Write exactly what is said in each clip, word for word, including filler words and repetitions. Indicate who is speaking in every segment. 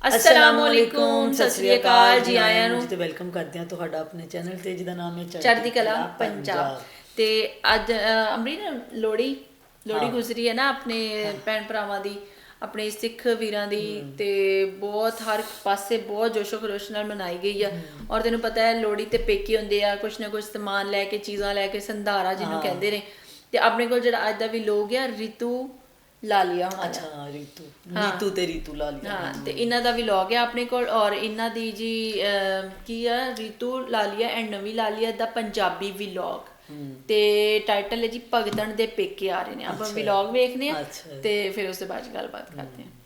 Speaker 1: अस्सलामुअलैकुम, सत श्री अकाल जी आयां नूं
Speaker 2: ते वेलकम करते हैं तुहाडा अपने चैनल ते जिहदा नाम है
Speaker 1: चढ़दी कला पंजाब। ते अज अमरीन लोहड़ी लोहड़ी गुजरी है ना अपने भैन भरावां दी, अपने सिख वीरां दी, ते बहुत हर पासे बहुत जोशो खरोश नाल मनाई गई है। और तैनूं पता है लोहड़ी ते पेके हुंदे आ, कुछ ना कुछ समान लैके चीज़ां लैके संधारा जिन्हों कहते हैं। ते अपने कोल जिहड़ा अज दा व्लॉग है रितु लालिया होना,
Speaker 2: अच्छा रितु नीतू ते रितु लालिया,
Speaker 1: हाँ ते इन्हां दा व्लॉग है अपने कोल। और इन्हां दी जी की है रितु लालिया एंड नवी लालिया दा पंजाबी व्लॉग, ते टाइटल है जी भगतन दे पेके आ रहे हैं। आप व्लॉग वेखने हैं ते फिर उसके बाद गलबात करते हैं।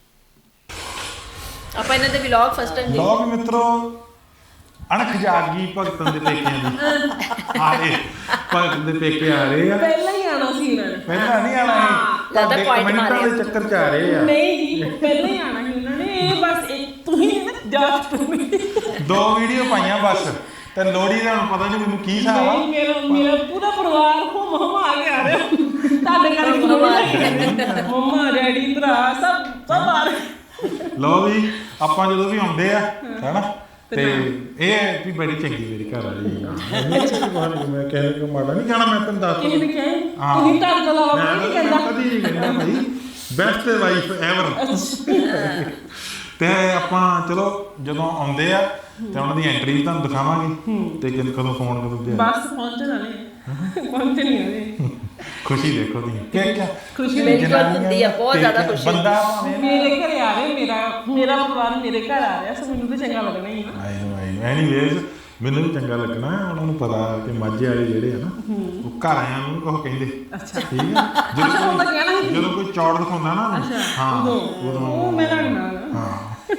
Speaker 1: आप इन्हां दे व्लॉग फर्स्ट टाइम
Speaker 3: व्लॉग मित्रों अणख जागी भगतन दे पेके आ रहे, भगतन दे पेके आ रहे हैं।
Speaker 4: पहला ही आना सी उन्होंने,
Speaker 3: पहला नहीं आना है,
Speaker 1: ज़्यादा पॉइंट
Speaker 3: कमेंटां दे चक्कर च आ रहे हैं।
Speaker 4: नहीं जी पहला ही आना ही उन्होंने, ये बस एक तू ही जा तू
Speaker 3: दो वीडियो पाइयां बस ते लोहड़ी दा हुण पता नहीं मैनूं की हिसाब आ।
Speaker 4: मेरा मेरा पूरा परिवार हो मम्मा आ गया रे ਤੁਹਾਡੇ ਕਰਕੇ लोहड़ी मम्मा डैडी भरा सब सब आ रहे।
Speaker 3: लो भी ਆਪਾਂ ਜਦੋਂ ਵੀ ਆਉਂਦੇ ਆ ਹੈਨਾ ਤੇ ਇਹ ਵੀ ਬੜੀ ਚੰਗੀ ਮੇਰੀ ਘਰ ਵਾਲੀ ਹੈ। ਮੈਂ ਕਹਿ ਰਿਹਾ ਮਾੜਾ ਨਹੀਂ ਕਹਿਣਾ, ਮੈਂ ਤੈਨੂੰ ਦੱਸ
Speaker 4: ਕਿਸੇ ਨੇ ਕਿਹਾ ਤੁਸੀਂ ਤਾਂ ਗਲਾਵਾ ਨਹੀਂ ਕਹਿੰਦਾ,
Speaker 3: ਕਦੀ ਨਹੀਂ ਕਹਿੰਦਾ ਭਾਈ, ਬੈਸਟ ਵਾਈਫ ਐਵਰ। ਤੇ ਆਪਾਂ ਚਲੋ ਜਦੋਂ ਆਉਂਦੇ ਆ ਤੇ ਉਹਨਾਂ ਦੀ ਐਂਟਰੀ ਵੀ ਤੁਹਾਨੂੰ ਦਿਖਾਵਾਂਗੇ ਤੇ ਕਦੋਂ ਫੋਨ ਕਦੋਂ ਦੇ
Speaker 4: ਬਸ ਪਹੁੰਚ ਜਾਣੇ ਪਹੁੰਚ ਨਹੀਂ ਹੋਏ।
Speaker 3: ਖੁਸ਼ੀ ਦੇਖੋ ਤੁਸੀਂ ਕੀ ਕੀ
Speaker 4: ਖੁਸ਼ੀ
Speaker 1: मेरी को ਹੁੰਦੀ ਆ ਬਹੁਤ ਜ਼ਿਆਦਾ ਖੁਸ਼ੀ।
Speaker 3: ਬੰਦਾ
Speaker 4: ਮੇਰੇ ਘਰੇ ਆ ਰਹੇ, ਮੇਰਾ ਮੇਰਾ ਪਰਿਵਾਰ ਮੇਰੇ ਘਰ ਆ ਰਿਹਾ, ਸੋ ਮੈਨੂੰ ਤਾਂ ਚੰਗਾ ਲੱਗਣਾ ਹੀ ਆ।
Speaker 3: ਆਈ ਆਈ ਐਨੀਵੇਜ਼ ਮੈਨੂੰ ਵੀ ਚੰਗਾ ਲੱਗਣਾ, ਉਹਨਾਂ ਨੂੰ ਪਤਾ ਕਿ ਮਾਝੇ ਵਾਲੇ ਜਿਹੜੇ ਆ ਨਾ ਉਹ ਘਰ ਆਇਆਂ ਨੂੰ ਉਹ ਕਹਿੰਦੇ ਅੱਛਾ ਠੀਕ ਹੈ। ਜਦੋਂ ਕੋਈ ਜਦੋਂ ਕੋਈ ਚੌੜ ਦਿਖਾਉਂਦਾ ਨਾ ਹਾਂ ਉਦੋਂ
Speaker 4: ਉਹ ਮੈਂ ਲੜਨਾ
Speaker 3: ਹਾਂ।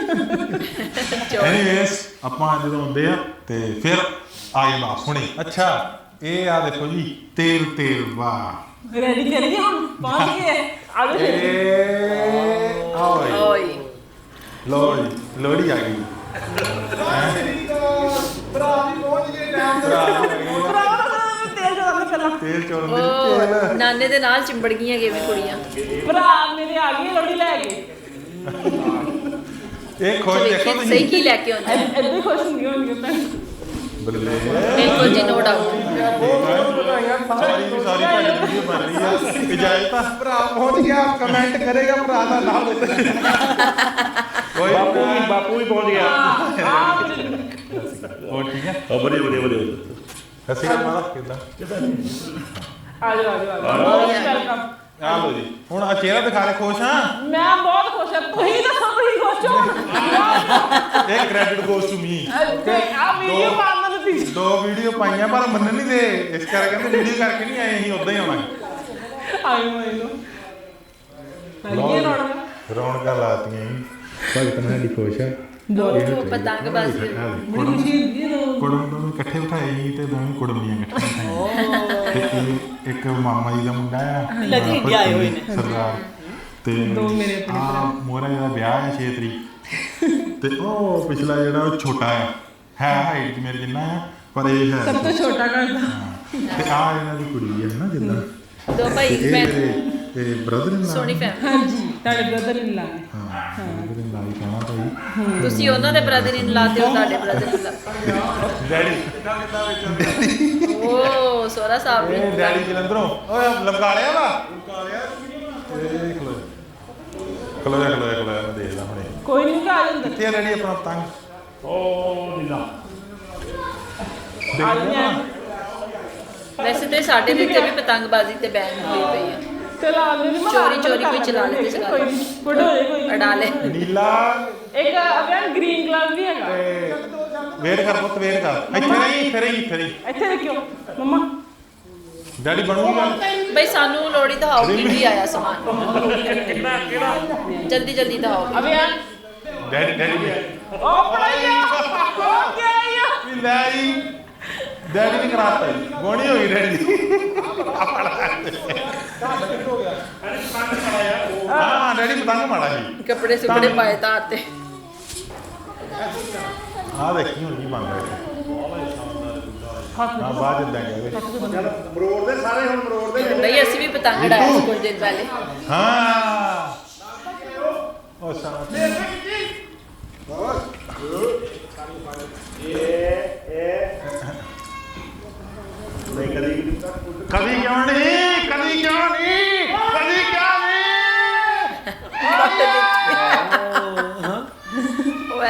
Speaker 3: ਐਨੀਵੇਜ਼ ਆਪਾਂ ਜਦੋਂ ਆਉਂਦੇ ਆ ਤੇ ਫਿਰ ਆਏ ਬਾਪ ਹੁਣੇ। ਅੱਛਾ ਇਹ ਆ ਦੇਖੋ ਜੀ ਤੇਲ ਤੇਲ ਵਾਹ
Speaker 4: ਰੈਡੀ ਕਰੀਏ ਹੁਣ ਪਹੁੰਚ ਗਏ ਆ ਜਾਓ।
Speaker 3: ਏ ਓਏ
Speaker 1: ਓਏ
Speaker 3: ਲੋਹੜੀ ਲੋਹੜੀ ਆ ਗਈ। ਭਰਾ ਵੀ ਪਹੁੰਚ ਗਏ ਟਾਈਮ ਤੇ।
Speaker 4: ਤੇਲ ਚੋਣ ਪਹਿਲਾਂ
Speaker 3: ਤੇਲ ਚੋਣ ਦੇ
Speaker 1: ਉਹ
Speaker 3: ਤੇਲ
Speaker 1: ਨਾਨੇ ਦੇ ਨਾਲ ਚਿੰਬੜ ਗਈਆਂ ਕਿਵੇਂ ਕੁੜੀਆਂ।
Speaker 4: ਭਰਾ ਮੇਰੇ ਆ ਗਏ ਲੋਹੜੀ ਲੈ ਕੇ।
Speaker 3: ਇਹ ਖੋਜ ਦੇਖੋ
Speaker 1: ਸਹੀ
Speaker 3: ਤੁਸੀਂ
Speaker 1: ਕੀ ਲੈ ਕੇ ਆਉਂਦੇ
Speaker 4: ਐਦਾਂ ਖੁਸ਼ ਹੁੰਦੀ ਹੋਣਗੇ ਤਾਂ
Speaker 3: ਬੱਲੇ
Speaker 1: ਬਿਲਕੁਲ ਜੀ, ਨੋ ਡਾਊਟ।
Speaker 3: ਸਾਰੀ ਦੀ ਸਾਰੀ ਭੈਣ ਦੀ ਵੀਡੀਓ ਬਣ ਰਹੀ ਆ। ਇਜਾਜ਼ਤ ਆ ਭਰਾ ਪਹੁੰਚ ਗਿਆ, ਕਮੈਂਟ ਕਰੇਗਾ ਭਰਾ ਦਾ ਨਾਮ ਉੱਤੇ। ਕੋਈ ਬਾਪੂ ਵੀ ਬਾਪੂ ਵੀ ਪਹੁੰਚ ਗਿਆ। ਹੋਰ ਠੀਕ ਹੈ?
Speaker 5: ਆ ਬੜੇ ਬੜੇ ਬੜੇ
Speaker 3: ਅਸੀਂ ਕਾ ਮਾਰਾ ਕਿਦਾਂ
Speaker 4: ਆ ਜਾਓ ਆ ਜਾਓ ਆ ਵੈਲਕਮ।
Speaker 3: ਆ ਲੋ ਜੀ ਹੁਣ ਆ ਚਿਹਰਾ ਦਿਖਾ ਰਹੇ, ਖੁਸ਼ ਹਾਂ?
Speaker 4: ਮੈਂ ਬਹੁਤ ਖੁਸ਼ ਹਾਂ, ਤੁਸੀਂ ਦੱਸੋ ਤੁਸੀਂ ਖੁਸ਼ ਹੋ?
Speaker 3: ਇਹ ਕ੍ਰੈਡਿਟ ਗੋਸ ਟੂ ਮੀ।
Speaker 4: ਆ ਵੀਡੀਓ ਪਾਉਣ ਨੂੰ ਤੁਸੀਂ
Speaker 3: ਦੋ ਵੀਡੀਓ ਪਾਈਆਂ ਪਰ ਮੰਨ ਨਹੀਂ ਦੇ, ਇਸ ਕਰਕੇ ਕਹਿੰਦੇ ਵੀਡੀਓ ਕਰਕੇ ਨਹੀਂ ਆਏ, ਅਸੀਂ ਉਦਾਂ ਹੀ ਆਉਣਾ।
Speaker 4: ਆਈ ਮੈਂ ਲੋ ਲੱਗੇ ਰੌਣਕ
Speaker 3: ਰੌਣਕਾਂ ਲਾਤੀਆਂ ਜੀ। ਭਗਤ ਨਾਲ ਦੀ ਖੁਸ਼ ਆ।
Speaker 1: ਉਹ ਪਤੰਗਬਾਜ਼ੀ
Speaker 4: ਬੜੀ ਖੁਸ਼ੀ ਹੁੰਦੀ ਹੈ।
Speaker 3: ਕੁੜਮ ਦੋਵੇਂ ਇਕੱਠੇ ਬਿਠਾਏ ਸੀ ਤੇ ਦੋਵੇਂ ਕੁੜਮੀਆਂ ਇਕੱਠੀਆਂ ਤੇ ਇਹ ਇੱਕ ਮਾਮਾ ਜੀ ਦਾ ਮੁੰਡਾ ਆ
Speaker 2: ਲੱਗੇ ਇੰਡੀਆ ਆਏ ਹੋਏ ਨੇ
Speaker 3: ਸਰਦਾਰ, ਤੇ
Speaker 4: ਦੋ ਮੇਰੇ ਆਪਣੇ
Speaker 3: ਆ ਮੋਹਰਾ ਦਾ ਵਿਆਹ ਹੈ ਛੇ ਤਰੀਕ ਤੇ ਉਹ ਪਿਛਲਾ ਜਿਹੜਾ ਉਹ ਛੋਟਾ ਆ, ਹੈ ਹਾਈਟ ਮੇਰੇ ਜਿੰਨਾ ਆ ਪਰ ਇਹ ਹੈ
Speaker 4: ਸਭ ਤੋਂ ਛੋਟਾ ਘਰ ਦਾ।
Speaker 3: ਤੇ ਆ ਇਹਨਾਂ ਦੀ ਕੁੜੀ ਹੈ ਨਾ ਜਿੱਦਾਂ
Speaker 1: ਦੋ ਭਾਈ
Speaker 3: ਇਹ
Speaker 1: ਭੈਣ,
Speaker 3: ਮੇਰੇ ਤੇ ਬ੍ਰਦਰ ਇਨ ਲਾ।
Speaker 1: ਸੋਹਣੀ ਫੈਮਿਲੀ।
Speaker 4: ਹਾਂਜੀ ਤੁਹਾਡੇ ਬ੍ਰਦਰ ਇਨ ਲਾ
Speaker 3: ਹਾਂ ਬ੍ਰਦਰ ਇਨ ਲਾ ਹੀ ਕਹਿਣਾ ਭਾਈ।
Speaker 1: ਤੁਸੀਂ ਉਹਨਾਂ ਦੇ ਬ੍ਰਦਰ ਇਨ ਲਾ ਤੇ ਉਹ ਤੁਹਾਡੇ ਬ੍ਰਦਰ ਇਨ ਲਾ।
Speaker 3: ਡੈਡੀ
Speaker 1: ਓ ਸੋਹਰਾ ਸਾਹਿਬ
Speaker 3: ਇਹ
Speaker 1: ਵੀ
Speaker 3: ਡੈਡੀ ਜਲੰਧਰੋਂ ਓਏ ਲਮਕਾ ਲਿਆ ਵਾ ਲਮਕਾ ਲਿਆ ਇਹ ਖਲੋ ਖਲੋ ਜਾ ਖਲੋ ਜਾ ਖਲੋ ਜਾ ਮੈਂ ਦੇਖਦਾ ਹੁਣੇ
Speaker 4: ਕੋਈ ਨਹੀਂ ਆ ਜਾਂਦਾ।
Speaker 3: ਕਿੱਥੇ ਆ ਡੈਡੀ ਆਪਣਾ ਪਤੰਗ?
Speaker 5: ਓ ਨੀਲਾ
Speaker 4: ਆ ਜਾਂਦੇ ਆ।
Speaker 1: ਵੈਸੇ ਤੇ ਸਾਡੇ ਦੇ ਇੱਥੇ ਵੀ ਪਤੰਗਬਾਜ਼ੀ ਤੇ ਬੈਨ ਹੋਈ ਪਈ ਆ।
Speaker 4: ਚਲਾ ਲੈ ਨਹੀਂ
Speaker 1: ਚੋਰੀ ਚੋਰੀ ਕੋਈ ਚਲਾ ਲੈ ਤੇ
Speaker 4: ਕੋਈ ਨਹੀਂ ਗੁੱਡ ਹੋ ਜਾਏ ਕੋਈ
Speaker 1: ਅਡਾ ਲੈ।
Speaker 3: ਨੀਲਾ
Speaker 4: ਇੱਕ ਅਭਿਆਨ ਗ੍ਰੀਨ ਕਲਰ ਵੀ ਹੈਗਾ।
Speaker 3: ਤੇ ਵੇਟ ਕਰ ਪੁੱਤ ਵੇਟ ਕਰ ਇੱਥੇ ਰਹੀ ਇੱਥੇ ਰਹੀ ਇੱਥੇ ਰਹੀ
Speaker 4: ਇੱਥੇ ਰੱਖਿਓ ਮੰਮਾ।
Speaker 3: ਡੈਡੀ ਬਣੂਗੀ ਗੱਲ।
Speaker 1: ਬਈ ਸਾਨੂੰ ਲੋੜੀ ਦਿਖਾਓ ਕੀ ਕੀ ਆਇਆ ਸਮਾਨ,
Speaker 4: ਕਿਹੜਾ ਕਿਹੜਾ
Speaker 1: ਜਲਦੀ ਜਲਦੀ ਦਿਖਾਓ।
Speaker 4: ਅਭਿਆਨ
Speaker 3: ਡੈਡੀ ਡੈਡੀ ਵੀ
Speaker 4: ਉਹ ਪੜਾਈਆ ਹੋ ਗਿਆ ਯਾ
Speaker 3: ਵੀ ਲੈ ਜੀ ਡੈਡੀ ਨੇ ਕਰਾਤਾ ਜੀ ਗੋਣੀ ਹੋ ਗਈ ਡੈਡੀ ਦੀ। ਹਾਂ ਡੈਡੀ ਪਤੰਗ ਮਾੜਾ ਸੀ।
Speaker 1: ਕੱਪੜੇ ਸੁੱਕਣੇ ਪਾਏ ਤਾਂ ਤੇ
Speaker 3: ਆ ਦੇਖੀ ਹੁਣ ਕੀ ਬਣ ਰਿਹਾ ਹਾਂ ਬਾਅਦ ਚ ਦੇਂਗੇ ਮਰੋੜ ਦੇ ਸਾਰੇ ਹੁਣ ਮਰੋੜ ਦੇ
Speaker 1: ਬਈ ਅਸੀਂ ਵੀ ਪਤੰਗ ਉਡਾਇਆ ਸੀ ਕੁਝ ਦਿਨ ਪਹਿਲੇ।
Speaker 3: ਹਾਂ ਉਹ ਸਾਰਾ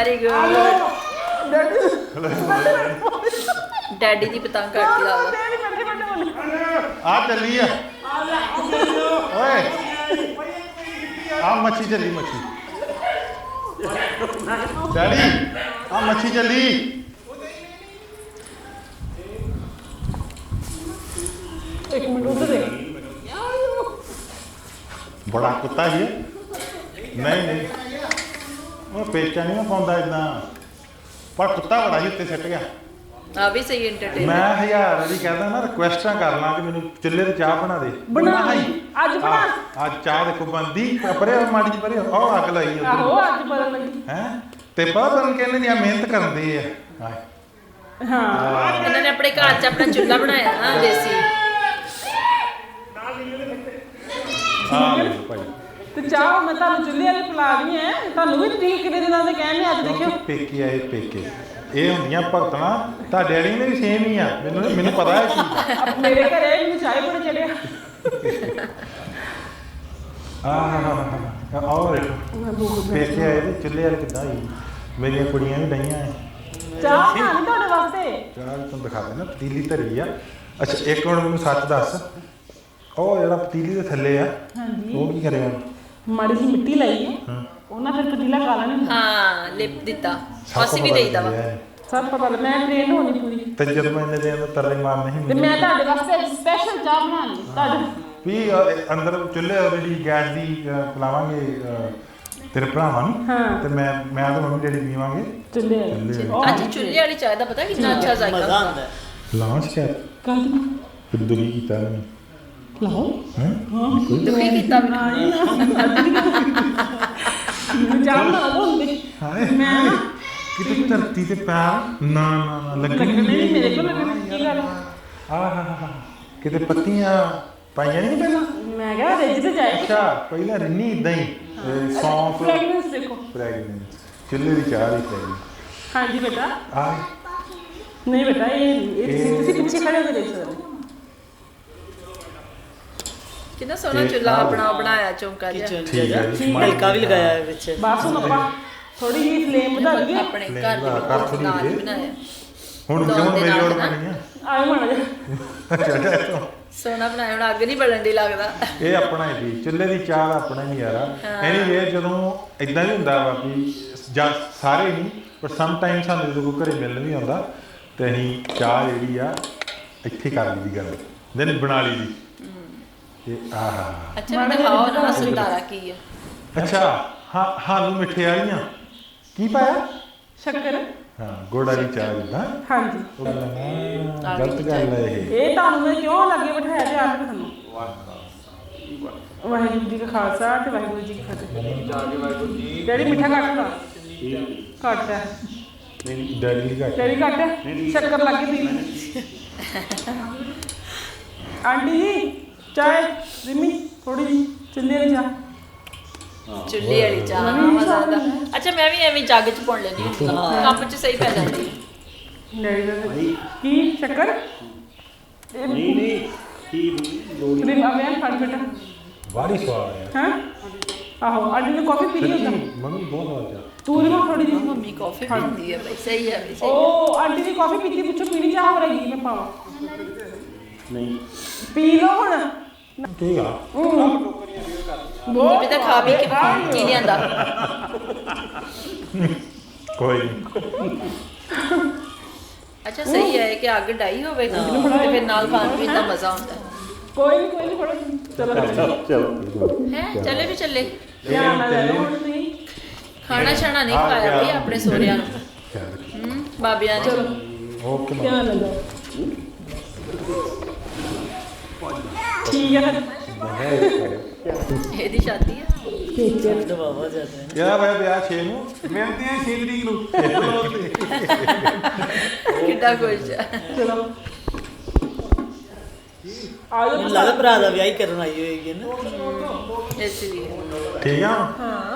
Speaker 1: ਵੈਰੀ ਗੁੱਡ ਡੈਡੀ ਦੀ ਪਤੰਗ ਕੱਟਦੀ ਆ
Speaker 3: ਆ ਚੱਲੀ ਆ ਓਏ ਆ ਮੱਛੀ ਚੱਲੀ ਮੱਛੀ ਡੈਡੀ ਆ ਮੱਛੀ ਚੱਲੀ
Speaker 4: ਇੱਕ ਮਿੰਟ ਉਧਰ ਦੇ
Speaker 3: ਬੜਾ ਕੁੱਤਾ ਹੀ ਹੈ ਨਹੀਂ ਨਹੀਂ ਉਹ ਪੇਚਾ ਨਹੀਂ ਨਾ ਪਾਉਂਦਾ ਇਦਾਂ ਪਰ ਕੁੱਤਾ ਬੜਾ ਹੀ ਉੱਤੇ ਸਿੱਟ ਗਿਆ
Speaker 1: ਆ ਵੀ ਸਹੀ ਐਂਟਰਟੇਨਮੈਂਟ
Speaker 3: ਮੈਂ ਹਜ਼ਾਰ ਵਾਰੀ ਕਹਿੰਦਾ ਨਾ ਰਿਕੁਐਸਟਾਂ ਕਰ ਲਾਂ ਕਿ ਮੈਨੂੰ ਚੁੱਲ੍ਹੇ ਤੇ ਚਾਹ ਬਣਾ ਦੇ
Speaker 4: ਬਣਾ
Speaker 3: ਹੀ
Speaker 4: ਅੱਜ ਬਣਾ
Speaker 3: ਅੱਜ ਚਾਹ ਦੇਖੋ ਬੰਦੀ ਪਰੇ ਮਾੜੀ ਜਿਹੀ ਪਰੇ ਉਹ ਅੱਗ ਲਾਈ
Speaker 4: ਆਹੋ ਅੱਜ ਬਦਲ ਲੱਗੀ
Speaker 3: ਹੈ ਤੇ ਪਤਾ ਨਹੀਂ ਕਹਿੰਦੇ ਨਹੀਂ ਮਿਹਨਤ ਕਰਦੇ ਆ ਹਾਏ
Speaker 4: ਹਾਂ
Speaker 1: ਇਹਨਾਂ ਨੇ ਆਪਣੇ ਘਰ 'ਚ ਆਪਣਾ ਚੁੱਲ੍ਹਾ ਬਣਾਇਆ ਨਾ ਦੇਸੀ
Speaker 3: ਆ ਲਓ ਭਾਈ
Speaker 4: ਤੇ ਚਾਹ ਮੈਂ ਤੁਹਾਨੂੰ ਚੁੱਲ੍ਹੇ ਵਾਲੀ ਪਿਲਾ ਰਹੀ ਐ ਤੁਹਾਨੂੰ ਵੀ ਠੀਕ ਕਿੰਨੇ ਦਿਨਾਂ ਦੇ ਕਹਿੰਦੇ ਅੱਜ ਦੇਖਿਓ
Speaker 3: ਪੇਕੇ ਆਏ ਪੇਕੇ ਇਹ ਹੁੰਦੀਆਂ ਭਗਤਾਂ ਤੁਹਾਡੇ ਵਾਲੀ ਨੇ ਵੀ ਸੇਮ ਹੀ ਆ ਮੈਨੂੰ ਮੈਨੂੰ ਪਤਾ ਹੈ ਕੀ
Speaker 4: ਮੇਰੇ ਘਰੇ ਮੈਨੂੰ ਚਾਹ ਬੜਾ ਚੜਿਆ
Speaker 3: ਆਹ ਆਹ ਦੇਖੋ ਪੇਕੇ ਆਏ ਤੇ ਚੁੱਲ੍ਹੇ ਵਾਲੇ ਕਿੱਦਾਂ ਹੀ ਮੇਰੀਆਂ ਕੁੜੀਆਂ ਵੀ ਡਈਆਂ ਐ
Speaker 4: ਚਾਹ ਬਣਾਣੀ ਤੁਹਾਡੇ ਵਾਸਤੇ
Speaker 3: ਚਾਹ ਤੁਹਾਨੂੰ ਦਿਖਾ ਦੇਣਾ ਪਤੀਲੀ ਧਰੀ ਆ ਅੱਛਾ ਇੱਕ ਮਿੰਟ ਮੈਨੂੰ ਸੱਚ ਦੱਸ ਉਹ ਜਿਹੜਾ ਪਤੀਲੀ ਦੇ ਥੱਲੇ ਆ
Speaker 4: ਹਾਂਜੀ
Speaker 3: ਉਹ ਕੀ ਕਰਿਆ
Speaker 4: ਮਾੜੀ ਜਿਹੀ ਮਿੱਟੀ ਲਈ ਹੈ
Speaker 3: ਹਾਂ
Speaker 4: ਉਹਨਾਂ ਫਿਰ ਪਤੀਲਾ ਕਾਲਾ ਨਹੀਂ ਹੁੰਦਾ
Speaker 1: ਹਾਂ ਲਿਪ ਦਿੱਤਾ ਅਸੀਂ ਵੀ ਦੇਈਦਾ ਵਾ
Speaker 4: ਸਭ ਪਤਾ ਲੱਗ ਮੈਂ ਟ੍ਰੇਨ ਹੋਣੀ ਪੂਰੀ
Speaker 3: ਤੇ ਜਦੋਂ ਮੈਂ ਇਹਨੇ ਦੇ ਅੰਦਰ ਤਰਲੇ ਮਾਰ ਨਹੀਂ
Speaker 4: ਤੇ ਮੈਂ ਤੁਹਾਡੇ ਵਾਸਤੇ ਸਪੈਸ਼ਲ ਚਾਹ ਬਣਾਣੀ ਤੁਹਾਡੇ
Speaker 3: ਵੀ ਅਹ, ਅੰਦਰ ਚੁੱਲ੍ਹੇ ਆਲਰੇਡੀ ਗੈਸ ਦੀ ਅਹ, ਪਿਲਾਵਾਂਗੇ ਅਹ, ਤੇਰੇ ਭਰਾਵਾਂ ਨੂੰ
Speaker 4: ਹਾਂ
Speaker 3: ਤੇ ਮੈਂ ਮੈਂ ਤੇ ਮੰਮੀ ਡੈਡੀ ਪੀਵਾਂਗੇ
Speaker 4: ਚੁੱਲ੍ਹੇ
Speaker 3: ਚੁੱਲ੍ਹੇ
Speaker 4: ਉਹ
Speaker 1: ਅੱਜ ਚੁੱਲ੍ਹੇ ਵਾਲੀ ਚਾਹ ਦਾ ਪਤਾ ਕਿੰਨਾ ਅੱਛਾ ਜ਼ਾਇਕਾ
Speaker 2: ਮਜ਼ਾ
Speaker 1: ਹੁੰਦਾ
Speaker 2: ਆਉਂਦਾ
Speaker 3: ਲਾਂਚ ਕਰ
Speaker 4: ਕੱਲ
Speaker 3: ਦੁਰੀ ਕੀਤਾ ਨਹੀਂ
Speaker 4: ਲਾਓ
Speaker 3: ਹੈ
Speaker 1: ਦੁਖੀ ਕੀਤਾ ਵੀ
Speaker 4: ਚਾਹ ਬਣਾ ਦੋ ਹੁੰਦੇ
Speaker 3: ਹਾਏ
Speaker 4: ਮੈਂ ਨਾ
Speaker 3: ਕਿਤੇ ਧਰਤੀ ਤੇ ਪੈਰ ਨਾ ਨਾ ਨਾ ਲੱਗਣੀ
Speaker 4: ਲੱਗਣੇ ਨਹੀਂ ਮੇਰੇ ਕੋਲ ਲੱਗਣੇ ਕੀ ਗੱਲ
Speaker 3: ਆਹ ਕਿਤੇ ਪੱਤੀਆਂ ਪਾਈਆਂ ਨਹੀਂ ਪਹਿਲਾਂ
Speaker 4: ਮੈਂ ਕਿਹਾ ਰਿੱਝ ਤੇ ਜਾਏ
Speaker 3: ਅੱਛਾ ਪਹਿਲਾਂ ਰਿੰਨੀ ਇਦਾਂ ਹੀ ਅਹ, ਸੌਂਫ
Speaker 4: ਫ੍ਰੈਗਰੈਂਸ ਦੇਖੋ
Speaker 3: ਪ੍ਰੈਗਨੈਂਟ ਚੁੱਲ੍ਹੇ ਦੀ ਚਾਹ ਦੀ ਪ੍ਰੈਗਨੈਂਟ
Speaker 4: ਹਾਂਜੀ ਬੇਟਾ
Speaker 3: ਆ
Speaker 4: ਨਹੀਂ ਬੇਟਾ ਇਹ ਇਹ ਤੁਸੀਂ- ਤੁਸੀਂ ਪਿੱਛੇ ਖੜੇ ਹੋ ਕੇ ਦੇਖ ਸਕਦੇ ਹੋ।
Speaker 1: ਕਿੰਨਾ ਸੋਹਣਾ
Speaker 3: ਤੇ
Speaker 1: ਚੁੱਲ੍ਹਾ
Speaker 3: ਆਹ
Speaker 1: ਆਪਣਾ ਬਣਾਇਆ ਚੌਂਕਾ ਜਿਹਾ
Speaker 2: ਕਿਚਨ
Speaker 3: ਠੀਕ ਹੈ ਜੀ।
Speaker 2: ਹਲਕਾ ਵੀ ਲਗਾਇਆ ਹੈ ਵਿੱਚ
Speaker 4: ਬਸ ਹੁਣ ਆਪਾਂ ਥੋੜੀ ਜਿਹੀ ਫਲੇਮ ਵਧਾ ਲਈਏ
Speaker 1: ਆਪਣੇ ਘਰ ਦੇ
Speaker 3: ਘਰ
Speaker 1: ਵਿੱਚ
Speaker 3: ਥੋੜ੍ਹੀ
Speaker 1: ਨਾਲ ਹੀ
Speaker 3: ਜਿਹੀ।
Speaker 1: ਬਣਾਇਆ
Speaker 3: ਹੁਣ
Speaker 1: ਦਾਲ
Speaker 3: ਕਿਉਂ
Speaker 1: ਦੇ
Speaker 3: ਮੇਰੀ
Speaker 1: ਨਾਲ
Speaker 3: ਲੋੜ
Speaker 1: ਨਾ।
Speaker 3: ਬਣੀ ਆ
Speaker 4: ਆਏ ਮਾੜਾ ਜਿਹਾ
Speaker 3: ਅੱਛਾ ਅੱਛਾ ਇੱਥੋਂ।
Speaker 1: ਸੋਹਣਾ ਬਣਾਇਆ ਹੁਣ ਅੱਗ ਨਹੀਂ ਬਲਣ ਦੀ ਲੱਗਦਾ
Speaker 3: ਇਹ ਆਪਣਾ ਹੀ ਜੀ ਚੁੱਲ੍ਹੇ ਦੀ ਚਾਹ ਦਾ ਆਪਣਾ ਹੀ ਯਾਰਾ ਐਨੀਵੇ ਜਦੋਂ ਇਦਾਂ ਹੀ ਹੁੰਦਾ ਵਾ ਵੀ ਜਾਂ ਸਾਰੇ ਨਹੀਂ ਪਰ ਸਮ ਟਾਈਮ ਸਾਨੂੰ ਜਦੋਂ ਕੋਈ ਘਰੇ ਮਿਲਣ ਵੀ ਆਉਂਦਾ ਤੇ ਅਸੀਂ ਚਾਹ ਜਿਹੜੀ ਆ ਇੱਥੇ ਕਰ ਲਈ ਦੀ ਗੱਲ ਦਿਨ ਬਣਾ ਲਈ ਦੀ ਤੇ ਆਹ
Speaker 1: ਅੱਛਾ ਮੈਨੂੰ ਦਿਖਾਓ ਨਾ ਸੰਤਾਰਾ ਕੀ ਆ
Speaker 3: ਅੱਛਾ ਹਾਂ ਸਾਨੂੰ ਮਿੱਠੇ ਵਾਲੀਆਂ ਕੀ ਪਾਇਆ
Speaker 4: ਸ਼ੱਕਰ
Speaker 3: ਹਾਂ ਗੁੜ ਵਾਲੀ ਚਾਹ ਜਿੱਦਾਂ
Speaker 4: ਹਾਂਜੀ
Speaker 3: ਉਹ ਕਹਿੰਦਾ, ਗਲਤ ਗੱਲ ਹੈ ਇਹ
Speaker 4: ਇਹ ਤੁਹਾਨੂੰ ਮੈਂ ਕਿਉਂ ਲੱਗੇ ਬਿਠਾਇਆ ਤੇ ਆਪ ਤੁਹਾਨੂੰ ਵਾਹਿਗੁਰੂ ਜੀ ਕਾ ਖਾਲਸਾ ਤੇ ਵਾਹਿਗੁਰੂ ਜੀ ਕੀ ਫਤਿਹ ਡੈਡੀ ਮਿੱਠਾ ਘੱਟ ਦਾ ਘੱਟ ਹੈ
Speaker 3: ਡੈਡੀ ਦੀ ਘੱਟ
Speaker 4: ਡੈਡੀ ਘੱਟ ਹੈ ਸ਼ੱਕਰ ਲੱਗ ਗਈ ਪੀ ਆਂਟੀ ਜੀ ਚਾਹ ਰਿਮੀ ਥੋੜੀ ਜੀ ਚੁੱਲ੍ਹੇ ਵਾਲੀ ਚਾਹ
Speaker 1: ਚੁੱਲ੍ਹੇ ਵਾਲੀ ਚਾਹ ਮਜ਼ਾ ਆਉਂਦਾ ਅੱਛਾ ਮੈਂ ਵੀ ਐਵੇਂ ਜੱਗ 'ਚ ਪਾਉਣ ਲੈਂਦੀ ਹਾਂ ਕੱਪ 'ਚ ਸਹੀ ਪੈ ਜਾਂਦੀ ਹੈ
Speaker 4: ਡੈਡੀ ਦਾ ਕੀ ਸ਼ੱਕਰ
Speaker 5: ਨਹੀਂ ਨਹੀਂ ਕੀ ਲੋੜ
Speaker 4: ਰਿਮ ਆਵੇਂ ਫੜ ਬੇਟਾ
Speaker 3: ਬਾੜੀ ਸਵਾਦ ਹੈ
Speaker 4: ਹਾਂ ਆਹੋ ਆਂਟੀ ਨੇ ਕਾਫੀ ਪੀ ਲਈ ਹੁੰਦਾ
Speaker 3: ਮੰਮੀ ਬਹੁਤ ਸਵਾਦ ਚਾਹ
Speaker 4: ਤੂੰ ਰਿਮ ਥੋੜੀ ਜੀ
Speaker 1: ਮੰਮੀ ਕਾਫੀ ਪੀਂਦੀ ਹੈ ਬਈ ਸਹੀ ਹੈ ਬਈ ਸਹੀ
Speaker 4: ਉਹ ਆਂਟੀ ਦੀ ਕਾਫੀ ਪੀਤੀ ਪੁੱਛੋ ਪੀਣੀ ਚਾਹ ਹੋ ਰਹੀ ਮੈਂ ਪਾਵਾਂ
Speaker 5: ਨਹੀਂ
Speaker 4: ਪੀ ਲਓ ਹੁਣ
Speaker 3: ਠੀਕ ਆ
Speaker 1: ਵੀ ਤਾਂ ਖਾ ਪੀ ਕੇ ਕੀ ਨਹੀਂ ਆਂਦਾ
Speaker 3: ਕੋਈ ਨਹੀਂ
Speaker 1: ਅੱਛਾ ਸਹੀ ਹੈ ਕਿ ਅੱਗ ਡਾਈ ਹੋਵੇ ਤੇ ਫਿਰ ਨਾਲ ਖਾਣ ਪੀਣ ਦਾ ਮਜ਼ਾ ਆਉਂਦਾ
Speaker 4: ਕੋਈ ਨਹੀਂ ਕੋਈ ਨਹੀਂ ਫੜੋ ਚਲੋ
Speaker 5: ਚਲੋ
Speaker 1: ਹੈ ਚੱਲੇ ਵੀ ਚੱਲੇ
Speaker 4: ਧਿਆਨ ਨਾਲ ਲੈ ਲਓ ਹੁਣ ਤੁਸੀਂ
Speaker 1: ਖਾਣਾ ਛਾਣਾ ਨਹੀਂ ਖਾਇਆ ਬਈ ਆਪਣੇ ਸੋਹਰਿਆਂ ਨੂੰ
Speaker 3: ਖਿਆਲ ਰੱਖੀ
Speaker 1: ਹੂੰ ਬਾਬਿਆਂ ਨੇ
Speaker 3: ਓਕੇ ਮਾਂ
Speaker 4: ਧਿਆਨ ਨਾਲ ਜਾਓ ਠੀਕ ਹੈ ਫਿਰ
Speaker 1: ਇਹਦੀ ਸ਼ਾਦੀ ਹੈ
Speaker 2: ਦਬਾਵਾ ਜ਼ਿਆਦਾ ਹੈ
Speaker 3: ਯਾਰ ਮੈਂ ਵਿਆਹ ਛੇ ਨੂੰ ਮਿਲਦੇ ਆ ਛੇ ਤਰੀਕ ਨੂੰ
Speaker 1: ਕਿੱਡਾ ਖੁਸ਼ ਹੈ
Speaker 4: ਚਲੋ ਆਜੋ
Speaker 2: ਮੈਨੂੰ ਲੱਗਦਾ ਭਰਾ ਦਾ ਵਿਆਹ ਹੀ ਕਰਨ ਆਈ ਹੋਏਗੀ ਨਾ
Speaker 1: ਇਸ ਲਈ
Speaker 3: ਠੀਕ ਆ
Speaker 4: ਹਾਂ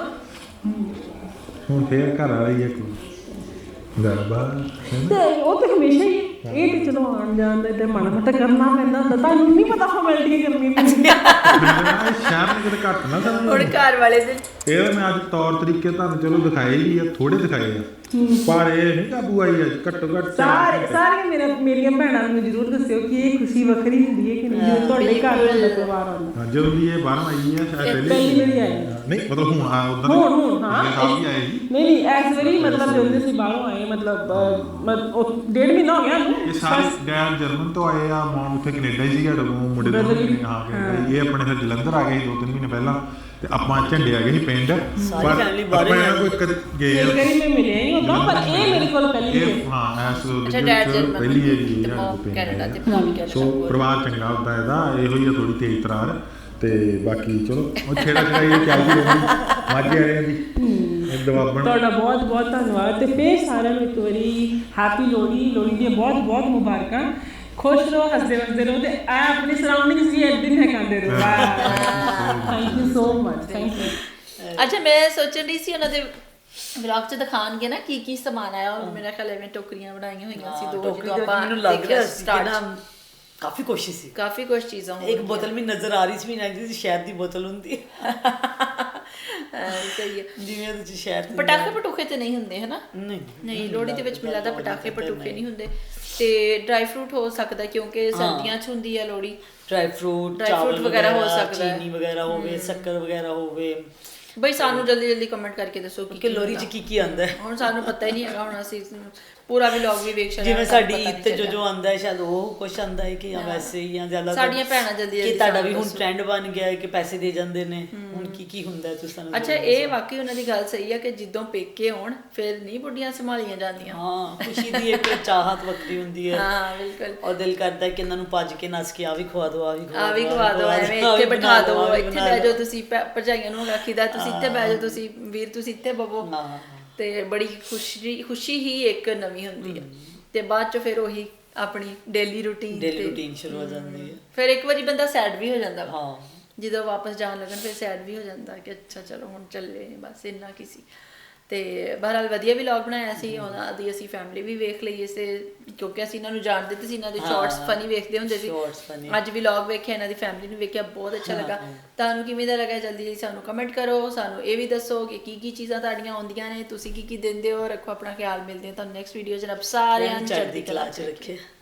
Speaker 3: ਹੁਣ ਫੇਰ ਘਰ ਵਾਲੀ ਇੱਕ ਗਰਬਾ
Speaker 4: ਤੇ ਉਹ ਤੇ ਹਮੇਸ਼ਾ ਹੀ ਇਹ ਤੇ ਚਲੋ ਆਉਣ ਜਾਣ ਦਾ ਤੇ ਮਾੜਾ ਮੋਟਾ ਕਰਨਾ ਪੈਂਦਾ ਹੁੰਦਾ, ਤੁਹਾਨੂੰ ਨਹੀਂ ਪਤਾ ਫਾਰਮੈਲਿਟੀ ਕਰਨੀ ਪੈਂਦੀ।
Speaker 3: ਸ਼ਹਿਰ ਨੇ ਕਿਤੇ ਘੱਟ ਨਾ ਸਮਝ
Speaker 1: ਹੁਣ ਘਰ ਵਾਲੇ ਦੇ
Speaker 3: ਇਹ ਮੈਂ ਅੱਜ ਤੌਰ ਤਰੀਕੇ ਤੁਹਾਨੂੰ ਚਲੋ ਦਿਖਾਏ ਹੀ ਆ, ਥੋੜੇ ਦਿਖਾਏ ਆ, ਪਰ ਇਹ ਨਹੀਂ ਕਾਬੂ ਆਈ ਅੱਜ ਘੱਟੋ ਘੱਟ
Speaker 4: ਸਾਰੇ ਸਾਰੀਆਂ ਮੇਰਾ ਮੇਰੀਆਂ ਭੈਣਾਂ ਨੂੰ ਜ਼ਰੂਰ ਦੱਸਿਓ ਕਿ ਇਹ ਖੁਸ਼ੀ ਵੱਖਰੀ ਹੁੰਦੀ ਹੈ ਕਿ ਨਹੀਂ ਜਦੋਂ ਤੁਹਾਡੇ ਘਰ ਤੁਹਾਡਾ ਪਰਿਵਾਰ ਆਉਂਦਾ।
Speaker 3: ਹਾਂ, ਜਦੋਂ ਦੀ ਇਹ ਬਾਹਰੋਂ ਆਈ ਹੈ ਸ਼ਾਇਦ
Speaker 4: ਪਹਿਲੀ ਵਾਰੀ ਆਏ
Speaker 3: ਨਹੀਂ ਮਤਲਬ ਹੁਣ ਆ ਉਧਰ
Speaker 4: ਹੁਣ ਹੁਣ ਹਾਂ
Speaker 3: ਸਾਲ ਹੀ ਆਏ ਸੀ।
Speaker 4: ਨਹੀਂ ਨਹੀਂ ਇਸ ਵਾਰੀ ਮਤਲਬ ਜਦੋਂ ਅਸੀਂ ਬਾਹਰੋਂ ਆਏ ਮਤਲਬ ਅਹ, ਮਤ- ਉਹ ਡੇਢ ਮਹੀਨਾ ਹੋ ਗਿਆ
Speaker 3: ਇਹ ਸਾਰੇ ਡੈਡ ਜਰਮਨ ਤੋਂ ਆਏ ਆ, ਮਾਂ ਉੱਥੇ ਕੈਨੇਡਾ ਹੀ ਸੀਗਾ ਜਦੋਂ ਮੁੰਡੇ ਦੇ ਹਾਂ ਕੈਨੇਡਾ। ਇਹ ਆਪਣੇ ਫਿਰ ਜਲੰਧਰ ਆ ਗਏ ਸੀ ਦੋ ਤਿੰਨ ਮਹੀਨੇ ਪਹਿਲਾਂ, ਤੇ ਆਪਾਂ ਝੰਡੇ ਆ ਗਏ ਸੀ ਪਿੰਡ, ਪਰ
Speaker 2: family ਬਾਹਰ
Speaker 3: ਆਪਾਂ ਇਹਨਾਂ ਕੋਈ ਕਦੇ ਗਏ
Speaker 4: ਕਈ ਵਾਰੀ ਮੈਂ ਮਿਲਿਆ ਹੀ ਹੁੰਦਾ, ਪਰ ਇਹ ਮੇਰੇ ਕੋਲ ਪਹਿਲੀ ਵਾਰ
Speaker 3: ਇਹ ਹਾਂ ਐਸ
Speaker 1: ਅੱਛਾ, ਡੈਡ ਜਰਮਨ
Speaker 3: ਪਹਿਲੀ ਹੈ ਜੀ
Speaker 1: ਤੇ ਮਾਂ ਕੈਨੇਡਾ ਤੇ ਭਰਾ ਵੀ ਕੈਨੇਡਾ।
Speaker 3: ਸੋ ਪਰਿਵਾਰ ਚੰਗਾ ਹੁੰਦਾ ਇਹਦਾ, ਇਹੋ ਹੀ ਆ ਥੋੜੀ ਤੇਜ਼ ਤਰਾਰ, ਤੇ ਬਾਕੀ ਚਲੋ ਉਹ ਛੇੜਾ ਛੜਾਈ ਚੱਲਦੀ ਰਹਿੰਦੀ ਮਾਝੇ ਵਾਲਿਆਂ ਦੀ ਦਵਾਬਣ।
Speaker 4: ਤੁਹਾਡਾ ਬਹੁਤ ਬਹੁਤ ਧੰਨਵਾਦ, ਤੇ ਫੇਰ ਸਾਰਿਆਂ ਨੂੰ ਇੱਕ ਵਾਰੀ ਹੈਪੀ ਲੋਹੜੀ, ਲੋਹੜੀ ਦੀਆਂ ਬਹੁਤ ਬਹੁਤ ਮੁਬਾਰਕਾਂ। ਖੁਸ਼ ਰਹੋ, ਹੱਸਦੇ ਵਸਦੇ ਰਹੋ, ਤੇ ਆ ਆਪਣੀ ਸਰਾਊਂਡਿੰਗਸ ਵੀ ਇੱਕ ਦਿਨ ਹੈਕਾਂਦੇ ਰਹੋ। Thank you so much, thank you.
Speaker 1: ਅੱਛਾ, ਮੈਂ ਸੋਚਣ ਦੀ ਸੀ ਉਹਨਾਂ ਦੇ ਵਲੌਗ 'ਚ ਦਿਖਾਣਗੇ ਨਾ ਕੀ ਕੀ ਸਮਾਨ ਆਇਆ, ਔਰ ਮੇਰਾ ਖਿਆਲ ਐਵੇਂ ਟੋਕਰੀਆਂ ਬਣਾਈਆਂ ਹੋਈਆਂ ਸੀ ਦੋ,
Speaker 2: ਟੋਕਰੀ
Speaker 1: ਜਦੋਂ
Speaker 2: ਦਾ
Speaker 1: ਆਪਾਂ
Speaker 2: ਮੈਨੂੰ ਲੱਗ ਰਿਹਾ ਸੀ ਕਿ
Speaker 1: start
Speaker 2: ਨਾ ਕਾਫੀ ਕੋਸ਼ਿਸ਼ ਸੀ,
Speaker 1: ਕਾਫੀ ਕੁਝ ਚੀਜ਼ਾਂ
Speaker 2: ਇੱਕ ਬੋਤਲ ਵੀ ਨਜ਼ਰ ਆ ਰਹੀ ਸੀ, ਮੈਨੂੰ ਲੱਗਦੀ ਸੀ ਸ਼ਹਿਦ ਦੀ ਬੋਤਲ ਹੁੰਦੀ ਹੈ।
Speaker 1: ਸਹੀ ਹੈ।
Speaker 2: ਜਿਵੇਂ ਉਹਦੇ ਚ ਸ਼ਹਿਦ
Speaker 1: ਪਟਾਕੇ ਪਟੂਕੇ ਤੇ ਨਹੀਂ ਹੁੰਦੇ ਹਨਾ?
Speaker 2: ਨਹੀਂ
Speaker 1: ਨਹੀਂ, ਲੋਹੜੀ ਦੇ ਵਿੱਚ ਮੈਨੂੰ ਲੱਗਦਾ ਪਟਾਕੇ ਪਟੂਕੇ ਨਹੀਂ ਹੁੰਦੇ, ਤੇ ਡਰਾਈ ਫਰੂਟ ਹੋ ਸਕਦਾ ਕਿਉਂਕਿ ਸਰਦੀਆਂ 'ਚ ਹੁੰਦੀ ਹੈ Lohri.
Speaker 2: Dry fruit,
Speaker 1: Dry fruit
Speaker 2: ਚਾਵਲ
Speaker 1: ਵਗੈਰਾ ਹੋ ਸਕਦਾ ਹੈ।
Speaker 2: ਚੀਨੀ ਵਗੈਰਾ ਹੋਵੇ, ਸ਼ੱਕਰ ਵਗੈਰਾ ਹੋਵੇ।
Speaker 1: ਬਈ ਸਾਨੂੰ ਜਲਦੀ ਜਲਦੀ ਕਮੈਂਟ ਕਰਕੇ ਦੱਸੋ ਕੀ
Speaker 2: ਕਿ ਲੋਹੜੀ ਚ ਕੀ ਕੀ ਆਉਂਦਾ ਹੈ।
Speaker 1: ਹੁਣ ਸਾਨੂੰ ਪਤਾ ਹੀ ਨਹੀਂ ਹੈਗਾ, ਹੁਣ ਅਸੀਂ ਪੂਰਾ ਵਲੌਗ ਵੀ ਵੇਖ ਸਕਦੇ
Speaker 2: ਜਿਵੇਂ ਸਾਡੀ ਈਦ ਤੇ ਜੋ ਜੋ ਆਉਂਦਾ ਹੈ ਸ਼ਾਇਦ ਉਹ ਕੁਛ ਆਉਂਦਾ ਹੈ ਕਿ ਜਾਂ ਵੈਸੇ ਹੀ ਜਾਂ ਜ਼ਿਆਦਾ
Speaker 1: ਸਾਡੀਆਂ ਭੈਣਾਂ ਜਲਦੀ
Speaker 2: ਕਿ
Speaker 1: ਜਲਦੀ
Speaker 2: ਤੁਹਾਡਾ ਵੀ
Speaker 1: ਸਾਨੂੰ
Speaker 2: ਹੁਣ ਟ੍ਰੈਂਡ ਬਣ ਗਿਆ ਹੈ ਕਿ ਪੈਸੇ ਦੇ ਜਾਂਦੇ ਨੇ, ਹੁਣ ਕੀ ਕੀ ਹੁੰਦਾ ਹੈ ਤੁਸੀਂ ਸਾਨੂੰ
Speaker 1: ਅੱਛਾ, ਇਹ ਵਾਕਈ ਉਹਨਾਂ ਦੀ ਗੱਲ ਸਹੀ ਹੈ ਕਿ ਜਦੋਂ ਪੇਕੇ ਹੋਣ ਫਿਰ ਨਹੀਂ ਬੁੱਢੀਆਂ ਸੰਭਾਲੀਆਂ ਜਾਂਦੀਆਂ।
Speaker 2: ਹਾਂ, ਖੁਸ਼ੀ ਦੀ ਇੱਕ ਚਾਹਤ ਵੱਖਰੀ ਹੁੰਦੀ ਹੈ।
Speaker 1: ਹਾਂ ਬਿਲਕੁਲ।
Speaker 2: ਔਰ ਦਿਲ ਕਰਦਾ ਹੈ ਕਿ ਇਹਨਾਂ ਨੂੰ ਭੱਜ ਕੇ ਨੱਸ ਕੇ ਆ ਵੀ ਖਵਾ ਦਿਓ, ਆ ਵੀ
Speaker 1: ਆ ਵੀ ਖਵਾ ਦਿਓ, ਐਵੇਂ ਇੱਥੇ ਬਿਠਾ ਦਿਓ, ਇੱਥੇ ਬਹਿ ਜਾਓ ਤੁਸੀਂ, ਭੈ- ਭਰਜਾਈਆਂ ਨੂੰ ਆਖੀਦਾ ਤੁਸੀਂ ਇੱਥੇ ਬਹਿ ਜਾਓ, ਤੁਸੀਂ ਵੀਰ ਤੁਸੀਂ ਇੱਥੇ ਬਵੋ, ਤੇ ਬੜੀ ਖੁਸ਼ੀ ਖੁਸ਼ੀ ਹੀ ਇੱਕ ਨਵੀਂ ਹੁੰਦੀ ਹੈ। ਤੇ ਬਾਅਦ ਚ ਫਿਰ ਉਹੀ ਆਪਣੀ ਡੇਲੀ ਰੂਟੀਨ
Speaker 2: ਡੇਲੀ ਰੂਟੀਨ ਸ਼ੁਰੂ ਹੋ ਜਾਂਦੀ ਹੈ।
Speaker 1: ਫਿਰ ਇੱਕ ਵਾਰੀ ਬੰਦਾ ਸੈਡ ਵੀ ਹੋ ਜਾਂਦਾ ਵਾ।
Speaker 2: ਹਾਂ,
Speaker 1: ਜਦੋਂ ਵਾਪਸ ਜਾਣ ਲੱਗਣ ਫਿਰ ਸੈਡ ਵੀ ਹੋ ਜਾਂਦਾ ਕਿ ਅੱਛਾ ਚਲੋ ਹੁਣ ਚੱਲੇ, ਬਸ ਇੰਨਾ ਕੀ ਸੀ। ਤੇ ਬਹਰਹਾਲ ਵਧੀਆ ਵਲੌਗ ਬਣਾਇਆ ਸੀ, ਉਹਨਾਂ ਦੀ ਅਸੀਂ ਫੈਮਿਲੀ ਵੀ ਵੇਖ ਲਈ ਇਸੇ, ਕਿਉਂਕਿ ਅਸੀਂ ਇਹਨਾਂ ਨੂੰ ਜਾਣਦੇ ਤੇ ਸੀ, ਇਹਨਾਂ ਦੇ ਸ਼ਾਰਟਸ ਫਨੀ ਵੇਖਦੇ ਹੁੰਦੇ ਸੀ। ਅੱਜ ਵਲੌਗ ਵੇਖਿਆ, ਇਹਨਾਂ ਦੀ ਫੈਮਿਲੀ ਨੂੰ ਵੇਖਿਆ, ਬਹੁਤ ਅੱਛਾ ਲੱਗਾ। ਤੁਹਾਨੂੰ ਕਿਵੇਂ ਦਾ ਲੱਗਾ ਜਲਦੀ ਜਲਦੀ ਸਾਨੂੰ ਕਮੈਂਟ ਕਰੋ, ਸਾਨੂੰ ਇਹ ਵੀ ਦੱਸੋ ਕਿ ਕੀ ਕੀ ਚੀਜ਼ਾਂ ਤੁਹਾਡੀਆਂ ਆਉਂਦੀਆਂ ਨੇ, ਤੁਸੀਂ ਕੀ ਕੀ ਦਿੰਦੇ ਹੋ। ਰੱਖੋ ਆਪਣਾ ਖਿਆਲ, ਮਿਲਦੇ ਹਾਂ ਤੁਹਾਨੂੰ ਨੈਕਸਟ ਵੀਡੀਓ 'ਚ। ਰੱਬ ਸਾਰਿਆਂ ਨੂੰ ਚੜ੍ਹਦੀ ਕਲਾ 'ਚ ਰੱਖੇ।